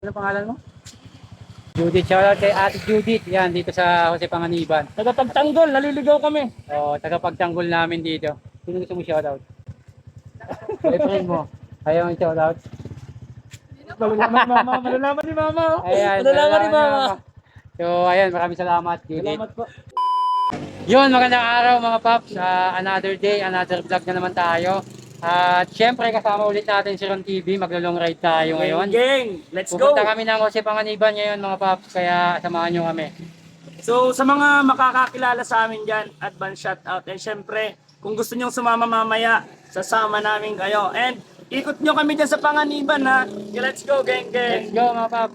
Ano pangalan mo? Judith, shoutout kay Ate Judith. Yan, dito sa Jose Panganiban. Tagapagtanggol, naliligaw kami. O, tagapagtanggol namin dito. Sino gusto mo shoutout? Boyfriend mo. Ayaw mo shoutout? Malalaman ni mama, malalaman ni mama. Ayan, Malalaman ni mama. So, ayan, maraming salamat, Judith. Salamat po. Yun, magandang araw mga paps. Another day, another vlog na naman tayo. At syempre, kasama ulit natin si Ron TV. Maglo-long ride tayo ngayon. Gang, let's go. Pupunta kami ng Jose Panganiban ngayon mga paps. Kaya samahan nyo kami. So sa mga makakakilala sa amin dyan, advance shout out. And syempre, kung gusto nyong sumama mamaya, sasama namin kayo. And ikot nyo kami dyan sa Panganiban ha. Okay, let's go gang Let's gang. go mga paps.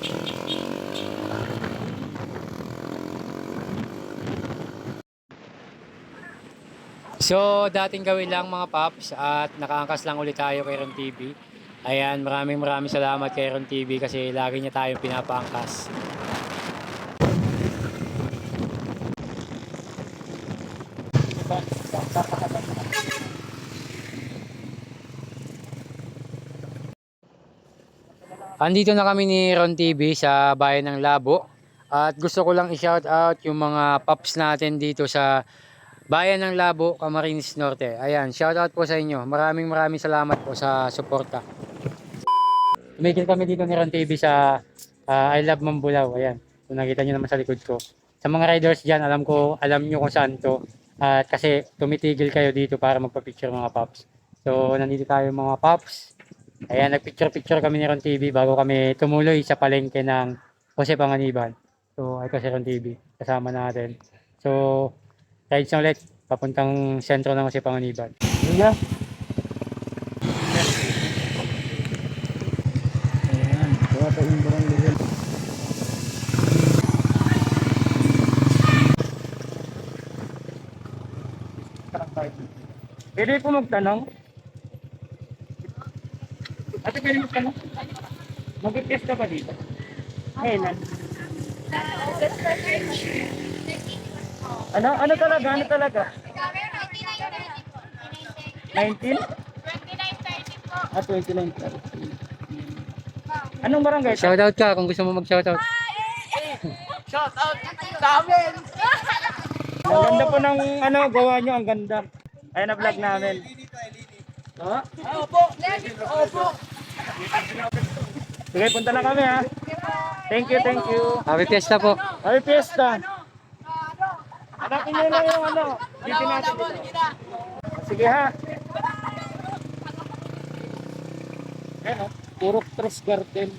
So, dating gawin lang mga paps at nakaangkas lang ulit tayo kay Ron TV. Ayan, maraming salamat kay Ron TV kasi lagi niya tayong pinapaangkas. Andito na kami ni Ron TV sa bayan ng Labo at gusto ko lang i-shout out yung mga paps natin dito sa bayan ng Labo, Camarines Norte. Ayan, shout out po sa inyo. Maraming salamat po sa suporta. Tumigil kami dito ni Ron TV sa I Love Mambulaw. Ayan, kung nakita nyo naman sa likod ko. Sa mga riders dyan, alam nyo kung saan to. At kasi tumitigil kayo dito para magpa-picture mga paps. So, nandito tayo mga paps. Ayan, nagpicture kami ni Ron TV bago kami tumuloy sa palengke ng Jose Panganiban. So, ito si Ron TV. Kasama natin. So, rides na ulit. Papuntang sentro ng Jose Panganiban. Yeah. Ayan, ito yung barangay. Pwede po magtanong? Ate, pwede magtanong? Mag-test ka ba dito? Kailan? Ano talaga? Ano talaga? 19? Ah, 29. Anong barangay? Shoutout ka kung gusto mo mag-shoutout. Shout out sa amin! Ang ganda po ng gawa nyo, ang ganda. Ayun na vlog namin. Ha? Opo! Opo! Sige, punta na kami ha. Thank you, thank you. Happy Fiesta po. Happy Fiesta! Hanapin nyo lang yung dito natin. Sige ha. Ayun puro Tres Garden.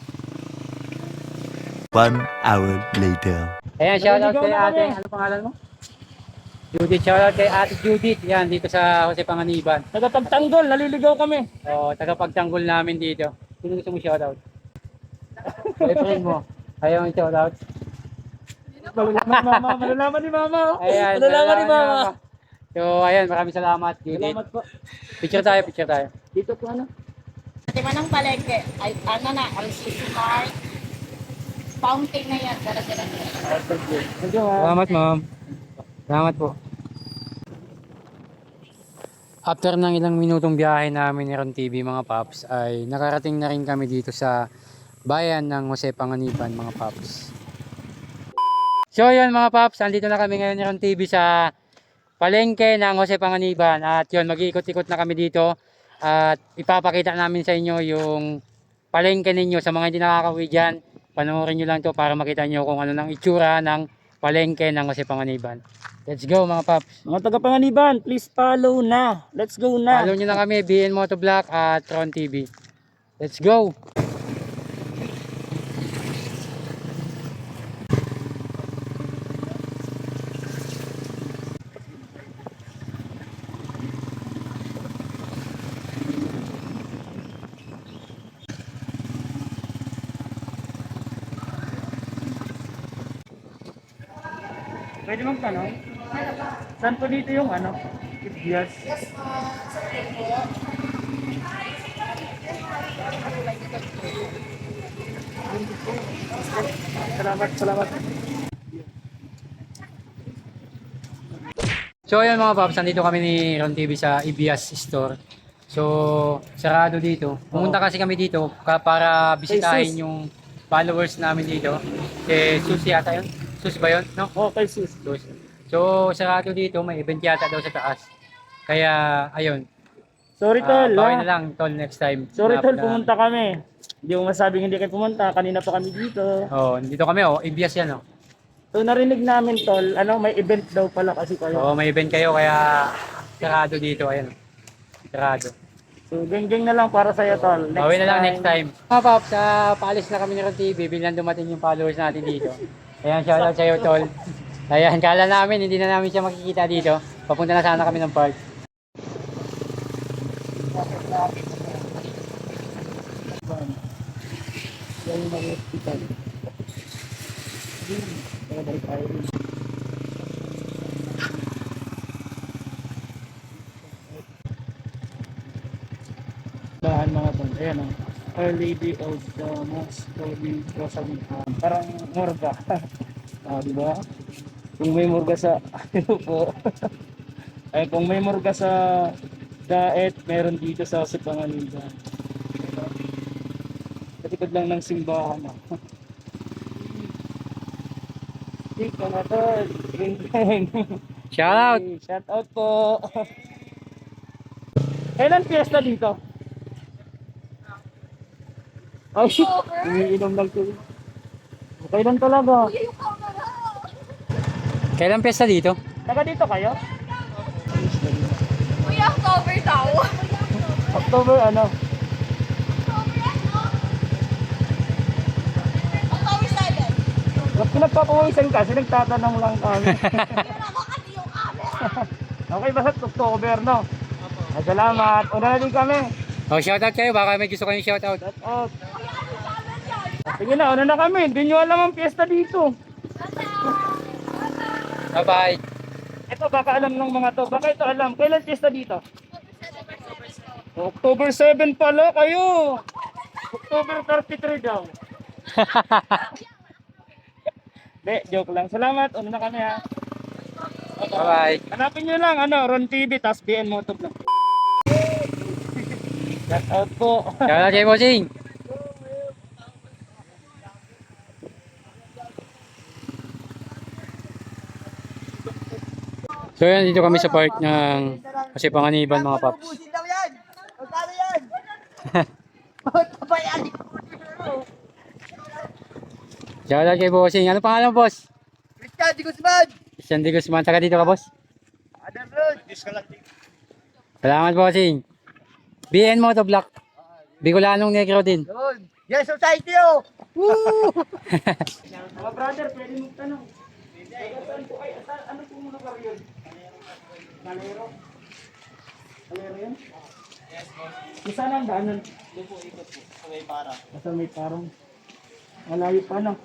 1 hour later. Ayan, shoutout Naliligaw kay na ate. kami. Ano pangalan mo? Judith, shoutout kay Ate Judith. Yan, dito sa Jose Panganiban. Tagapagtanggol, naliligaw kami. O, tagapagtanggol namin dito. Sino gusto mo shoutout? Boyfriend mo. Ayaw mo shoutout? Malalaman ni mama, malalaman ni mama. Ayan, Malalaman ni mama. So, ayan, maraming salamat, Judith. Salamat po. Picture tayo, picture tayo. Dito po Di ba ng palengke? Ay, ano na, RCC Park. Fountain na yan. Dala-dala. Thank you ha. Salamat, ma'am. Salamat po. After ng ilang minutong biyahe namin ni Ron TV mga paps ay nakarating na rin kami dito sa bayan ng Jose Panganiban mga paps. So yun mga paps, andito na kami ngayon ni Ron TV sa palengke ng Jose Panganiban at yun mag-iikot-ikot na kami dito at ipapakita namin sa inyo yung palengke ninyo sa mga hindi nakakauwi dyan. Panoorin nyo lang to para makita nyo kung ano ng itsura ng palengke ng Jose Panganiban. Let's go mga paps. Mga taga-Panganiban, please follow na. Let's go na. Follow nyo na kami, BN Motovlog at Ron TV. Let's go! Pwede magtanong? Saan po dito yung Ibias? Salamat. So ayun mga paps, nandito kami ni Ron TV sa Ibias Store. So, sarado dito. Pumunta kasi kami dito para bisitahin yung followers namin dito. Sus yata yun. Sus ba yun? No? Okay, sis. Sus. So, sarado dito. May event yata daw sa taas. Kaya, ayun. Sorry, tol. Bawi ha? na lang, tol, next time. Sorry, tol. Na- Pumunta kami. Hindi mo masabing hindi kayo pumunta. Kanina pa kami dito. Oh, dito kami, oh. Ibias yan, oh. So, narinig namin, tol. May event daw pala kasi kayo. Oo, may event kayo, kaya sarado dito. Ayun. Sarado. So, geng-geng na lang para sa'yo, tol. Bawi na lang next time. Mga Pops, paalis na kami ni Ron TV. Biglang dumating yung followers natin dito. Ayan, shoutout sa'yo, tol. Ayan, kala namin, hindi na namin siya makikita dito. Papunta na sana kami ng park. Bahan mga tol. Ayan, oh. Our Lady of the Most Holy Rosary. Parang morga. Di ba? Kung may morga sa ano po. Ay, kung may morga sa Daet, meron dito sa Sipanganiban. Sa likod lang ng simbahan. Dito na tol. Shoutout! Shout out po. Kailan fiesta dito? Ay, umiinom lang to. Kailan talaga? Kailan pesta dito? Taga dito kayo? Kuya, October daw. October ano? October 7. Ba't pinagpapawisan kasi nagtatanong lang kami. Ako kasi yung camera. Okay, basta October no? Ay, salamat. Una na din kami. Oh, shoutout kayo, baka may gusto kayong shoutout. Shout out. Sige na, una na kami. Hindi nyo alam ang fiesta dito. Bye-bye! Ito, baka alam ng mga to. Baka ito alam. Kailan fiesta dito? October 7 pala kayo. October 33 daw. Hindi, joke lang. Salamat. Una na kami ha. Bye-bye! Hanapin nyo lang, Ron TV, tas BN Motovlog. Shout out po. Shoutout kay Bossing! So yan, dito kami sa park ng Sipanganiban mga Pops. Ubusin daw yan! Magkano yan? Ito ba yan? Shoutout kay Bossing. Ano pangalan, boss? Christian Di Guzman! Christian De Guzman. Taga dito ka, boss? Adam Road! Salamat, Bossing. BN Motovlog. Bicolanong Negro din. Doon! Yan society oh! Woo! Mga brother, pwede mong tanong. Saan po kayo? Ano po muna ba yun? Kalero? Kalero yun? Yes, boss. Saan ang daanan? Doon po, ikot po. Sa may parang. Sa may parang. Malayo pa no?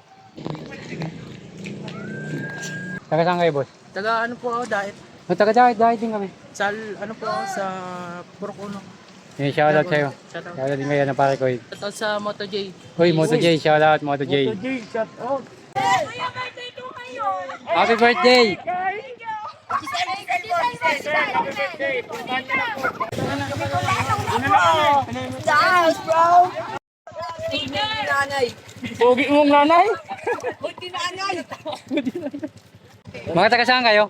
Taga saan kayo, boss? Taga ano po ako, diet? Oh, taga dahil din kami. Sa ano po ako, sa Purok Yung shoutout sa'yo. Shoutout. Shoutout din kayo na pare ko. Shoutout sa Moto J. Uy, Moto J. Shoutout, Moto J. Moto J, shout out. Kuya, birthday ko ngayon. Happy birthday! Thank you. Happy birthday. Puntahan niyo na po. Thanks, bro! Nanay! Pogi mong nanay? Kunti nanay! Mga taga saan kayo?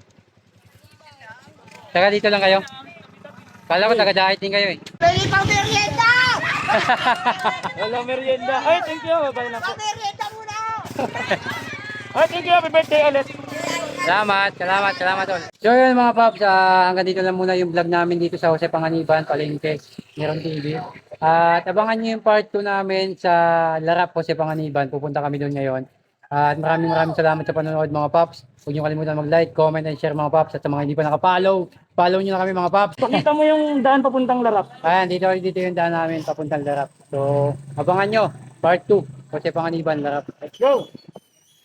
Taga dito lang kayo? Kala ko taga dahil din kayo eh. Pwede pang merienda! Wala merienda. Ay, thank you. Bye na po. Merienda muna! Ay, thank you. Happy birthday ulit. Salamat, salamat all. So yun mga Pops, hanggang dito lang muna yung vlog namin dito sa Jose Panganiban, Palengke, Meron TV. At abangan nyo yung part 2 namin sa Larap Jose Panganiban. Pupunta kami doon ngayon. At maraming salamat sa panonood mga Pops. Huwag nyo kalimutan mag-like, comment, and share mga Pops. At sa mga hindi pa nakapollow, follow nyo na kami mga Pops. Pakita mo yung daan papuntang Larap. Ayan, dito yung daan namin papuntang Larap. So abangan nyo, part 2, Jose Panganiban, Larap. Let's go.